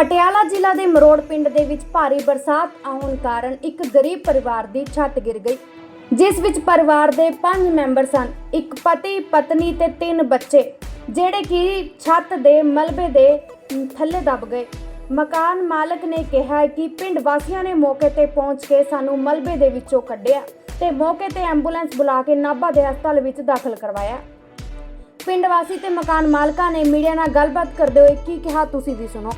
ਪਟਿਆਲਾ ਜ਼ਿਲ੍ਹਾ ਦੇ ਮਰੋੜ ਪਿੰਡ ਦੇ ਵਿੱਚ ਭਾਰੀ ਬਰਸਾਤ ਆਉਣ ਕਾਰਨ ਇੱਕ ਗਰੀਬ ਪਰਿਵਾਰ ਦੀ ਛੱਤ ਗਿਰ ਗਈ, ਜਿਸ ਵਿੱਚ ਪਰਿਵਾਰ ਦੇ 5 ਮੈਂਬਰ ਸਨ। ਇੱਕ ਪਤੀ, ਪਤਨੀ ਤੇ 3 ਬੱਚੇ, ਜਿਹੜੇ ਕਿ ਛੱਤ ਦੇ ਮਲਬੇ ਦੇ ਥੱਲੇ ਦਬ ਗਏ। ਮਕਾਨ ਮਾਲਕ ਨੇ ਕਿਹਾ ਕਿ ਪਿੰਡ ਵਾਸੀਆਂ ਨੇ ਮੌਕੇ ਤੇ ਪਹੁੰਚ ਕੇ ਸਾਨੂੰ ਮਲਬੇ ਦੇ ਵਿੱਚੋਂ ਕੱਢਿਆ ਤੇ ਮੌਕੇ ਤੇ ਐਂਬੂਲੈਂਸ ਬੁਲਾ ਕੇ ਨਾਭਾ ਦੇ ਹਸਪਤਾਲ ਵਿੱਚ ਦਾਖਲ ਕਰਵਾਇਆ। ਪਿੰਡ ਵਾਸੀ ਤੇ ਮਕਾਨ ਮਾਲਕਾਂ ਨੇ ਮੀਡੀਆ ਨਾਲ ਗੱਲਬਾਤ ਕਰਦੇ ਹੋਏ ਕੀ ਕਿਹਾ, ਤੁਸੀਂ ਵੀ ਸੁਣੋ।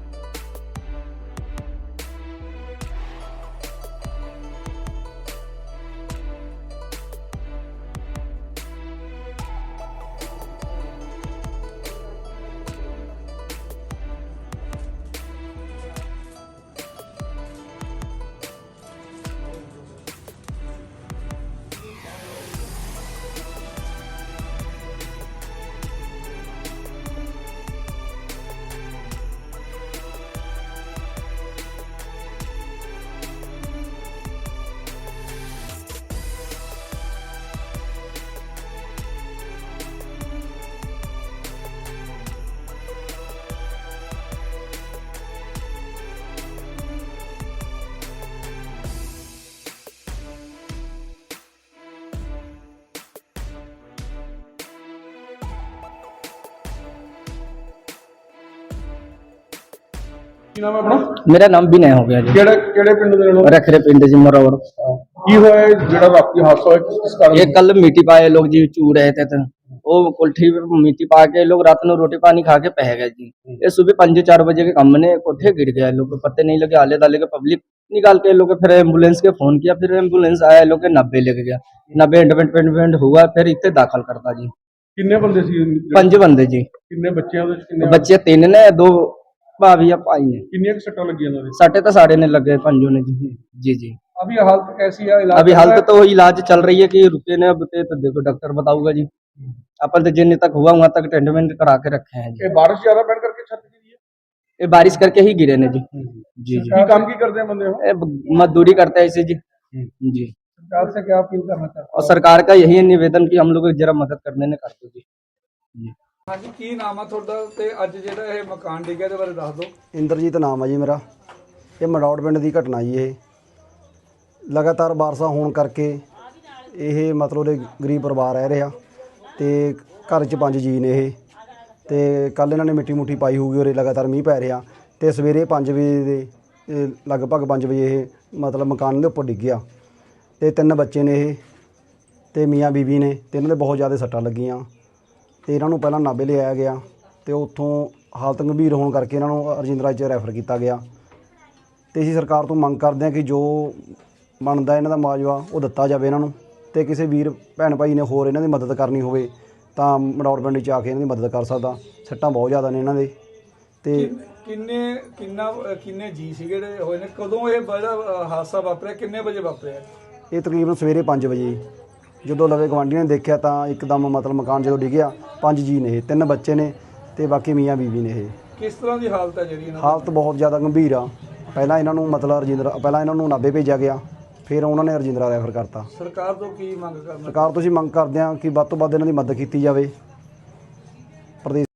ਕੀ ਨਾਮ ਹੈ ਆਪਣਾ? मेरा नाम विनय हो गया जी। ਕਿਹੜੇ ਪਿੰਡ ਦੇ ਲੋਕ रखरे पिंड जी मरोड़। ਕੀ ਹੋਇਆ ਜਿਹੜਾ ਰਾਤੀ ਹਾਦਸਾ ਹੋਇਆ ਕਿਸ ਕਾਰਨ? ये कल मिट्टी पाए लोग जी चू रहे थे वो कोठी मिट्टी पा के लोग रात में रोटी पानी खा के पह गए जी। ये सुबह 5-4 बजे के काम ने कोठे गिर गया, लोग को पत्ते नहीं लगे, आले दाले के पब्लिक निकाल के लोग फिर एम्बुलेंस के फोन किया, फिर एम्बुलेंस आया, लोग के 90 लेके गया, 90 एंडमेंट हुआ, फिर इतने दाखिल करता जी। ਕਿੰਨੇ ਬੰਦੇ ਸੀ? 5 बंदे जी। ਕਿੰਨੇ ਬੱਚੇ ਉਹਦੇ ਚ? ਕਿੰਨੇ बच्चे 3 ने, 2 भाभी या भाई ने। ਕਿੰਨੀਆਂ ਕੁ ਸੱਟਾਂ ਲੱਗੀਆਂ ਉਹਨਾਂ ਦੇ? साढ़े तो साढ़े ने लगे 5 ने जी। जी जी। अभी हालत कैसी है? इलाज अभी चल हालत रहा है? तो इलाज चल रही है कि रुके ने अब तो देखो डॉक्टर बताऊंगा जी। अपन तो जिन तक हुआ वहां तक ट्रीटमेंट करा के रखे हैं जी। ये बारिश ज्यादा पैण करके छत गिरी है? ये बारिश करके ही गिरे ने जी। जी जी। की काम की करते हैं बंदे हो? ये मजदूरी करते हैं इसे जी। जी। सरकार से क्या अपील करना चाहते और सरकार का यही निवेदन कि हम लोग को जरा मदद करने ने कर दो जी। हाँ जी, की नाम है ਤੁਹਾਡਾ ਤੇ ਅੱਜ ਜਿਹੜਾ ਇਹ ਮਕਾਨ ਡਿੱਗਿਆ ਦੇ ਬਾਰੇ ਦੱਸ ਦਿਓ। ਇੰਦਰਜੀਤ ਨਾਮ ਹੈ ਜੀ ਮੇਰਾ। ਇਹ ਮੜੌੜ ਪਿੰਡ ਦੀ ਘਟਨਾ ਜੀ। ਇਹ ਲਗਾਤਾਰ ਬਾਰਿਸ਼ਾਂ ਹੋਣ ਕਰਕੇ ਇਹ ਮਤਲਬ ਦੇ ਗਰੀਬ ਪਰਿਵਾਰ ਰਹਿ ਰਿਹਾ ਤੇ ਘਰ 'ਚ 5 ਜੀ ਨੇ ਇਹ। ਤੇ ਕੱਲ ਇਹਨਾਂ ਨੇ ਮਿੱਟੀ ਮੁੱਠੀ ਪਾਈ ਹੋਊਗੀ ਔਰ ਲਗਾਤਾਰ ਮੀਂਹ ਪੈ ਰਿਹਾ ਤੇ ਸਵੇਰੇ 5 ਵਜੇ ਦੇ ਲਗਭਗ 5 ਵਜੇ ਇਹ ਮਤਲਬ ਮਕਾਨ ਦੇ ਉੱਪਰ ਡਿੱਗਿਆ ਤੇ 3 ਬੱਚੇ ਨੇ ਇਹ ਤੇ ਮੀਆਂ ਬੀਬੀ ਨੇ ਤੇ ਇਹਨਾਂ ਦੇ ਬਹੁਤ ਜ਼ਿਆਦਾ ਸੱਟਾਂ ਲੱਗੀਆਂ ਤੇ ਇਹਨਾਂ ਨੂੰ ਪਹਿਲਾਂ ਨਾਭੇ ਲਿਆਇਆ ਗਿਆ ਤੇ ਉੱਥੋਂ ਹਾਲਤ ਗੰਭੀਰ ਹੋਣ ਕਰਕੇ ਇਹਨਾਂ ਨੂੰ ਰਜਿੰਦਰਾ 'ਚ ਰੈਫਰ ਕੀਤਾ ਗਿਆ। ਤੇ ਅਸੀਂ ਸਰਕਾਰ ਤੋਂ ਮੰਗ ਕਰਦੇ ਹਾਂ ਕਿ ਜੋ ਬਣਦਾ ਇਹਨਾਂ ਦਾ ਮੁਆਵਜ਼ਾ ਉਹ ਦਿੱਤਾ ਜਾਵੇ ਇਹਨਾਂ ਨੂੰ, ਤੇ ਕਿਸੇ ਵੀਰ ਭੈਣ ਭਾਈ ਨੇ ਹੋਰ ਇਹਨਾਂ ਦੀ ਮਦਦ ਕਰਨੀ ਹੋਵੇ ਤਾਂ ਮੜੌੜ ਪਿੰਡ 'ਚ ਆ ਕੇ ਇਹਨਾਂ ਦੀ ਮਦਦ ਕਰ ਸਕਦਾ। ਸੱਟਾਂ ਬਹੁਤ ਜ਼ਿਆਦਾ ਨੇ ਇਹਨਾਂ ਦੇ। ਤੇ ਕਿੰਨੇ ਜੀ ਸੀ ਜਿਹੜੇ ਹੋਏ ਨੇ? ਕਦੋਂ ਇਹ ਬੜਾ ਹਾਦਸਾ ਵਾਪਰਿਆ? ਕਿੰਨੇ ਵਜੇ ਵਾਪਰਿਆ? ਇਹ ਤਕਰੀਬਨ ਸਵੇਰੇ 5 ਵਜੇ। ਜਦੋਂ ਲਵੇ ਗਵਾਂਢੀਆਂ ਨੇ ਦੇਖਿਆ ਤਾਂ ਇੱਕਦਮ ਮਤਲਬ ਮਕਾਨ ਜਦੋਂ ਡਿੱਗਿਆ 5 ਜੀ ਨੇ ਇਹ, 3 ਬੱਚੇ ਨੇ ਤੇ ਬਾਕੀ ਮੀਆਂ ਬੀਬੀ ਨੇ ਇਹ। ਕਿਸ ਤਰ੍ਹਾਂ ਦੀ ਹਾਲਤ ਹੈ ਜਿਹੜੀ? ਹਾਲਤ ਬਹੁਤ ਜ਼ਿਆਦਾ ਗੰਭੀਰ ਆ। ਪਹਿਲਾਂ ਇਹਨਾਂ ਨੂੰ ਮਤਲਬ ਪਹਿਲਾਂ ਇਹਨਾਂ ਨੂੰ ਨਾਭੇ ਭੇਜਿਆ ਗਿਆ, ਫਿਰ ਉਹਨਾਂ ਨੇ ਰਜਿੰਦਰਾ ਰੈਫਰ ਕਰਤਾ। ਸਰਕਾਰ ਤੋਂ ਕੀ ਮੰਗ ਕਰਨਾ? ਸਰਕਾਰ ਤੋਂ ਅਸੀਂ ਮੰਗ ਕਰਦੇ ਹਾਂ ਕਿ ਵੱਧ ਤੋਂ ਵੱਧ ਇਹਨਾਂ ਦੀ ਮਦਦ ਕੀਤੀ ਜਾਵੇ।